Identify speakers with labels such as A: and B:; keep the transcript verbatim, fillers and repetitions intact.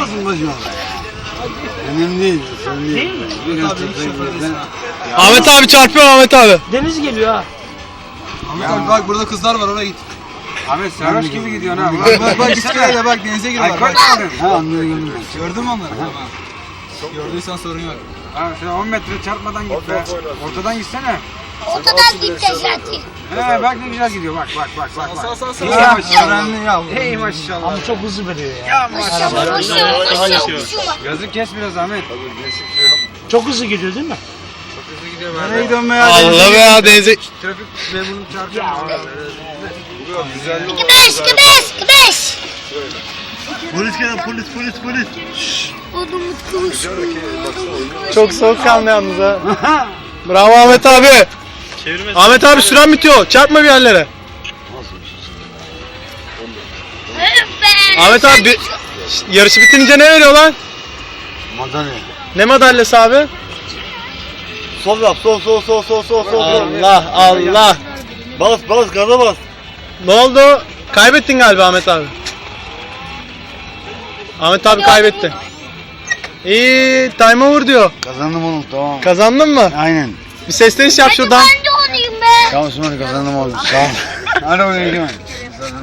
A: olsun bacım. Önemli değil.
B: Değil mi?
C: Ahmet abi çarpıyor Ahmet abi.
B: Deniz geliyor ha.
D: Ahmet abi bak burada kızlar var oraya git.
A: Ahmet sarhoş gibi gidiyorsun ha.
D: Bak bak bak iskelede bak denize giriyorlar.
A: Alkol
D: Bak.
A: mü aldın? Ha onları gördüm ben.
D: Gördün mü onları? Tamam. Gördüysen sorun yok.
A: Ha sen on metre çarpmadan git be. Ortadan gitsene.
E: Ortadan gideceğiz zaten.
A: He bak ne güzel gidiyor bak bak bak bak.
D: Sağ
A: bak.
D: sağ sağ.
A: İyi
D: sağ.
A: maşallah. Hey maşallah.
B: Ama çok hızlı veriyor ya.
A: Ya maşallah.
E: Koşuyor, koşuyor, koşuyor.
A: Yazık kes biraz Ahmet.
B: Çok hızlı gidiyor değil mi?
A: Nereye gidiyorsun be ya?
C: Allah be ya denize.
A: Trafik memurunu çarpıyor.
E: İki beş, iki beş, iki beş.
F: Polis gel polis polis polis.
E: Odumuz kuş.
C: Çok soğukkanlı yalnız ha. Bravo Ahmet abi.
F: Çevirmez.
C: Ahmet abi süren bitiyor. Çarpma bir yerlere. Ahmet abi bir- Şşt, yarışı bitince ne veriyor lan?
A: Madalya.
C: Ne madalyası abi?
F: Sol yap sol sol sol sol sol sol.
C: Allah Allah.
F: Bas bas gaza bas.
C: Ne oldu? Kaybettin galiba Ahmet abi. Ahmet abi kaybetti. İyi, time over diyor.
A: Kazandım oğlum tamam.
C: Kazandın mı?
A: Aynen.
C: Bir sesleniş yap şuradan.
E: Ben de olayım be.
A: Tamam Osman kazandım oğlum. Sağ ol. Hadi oraya gidelim.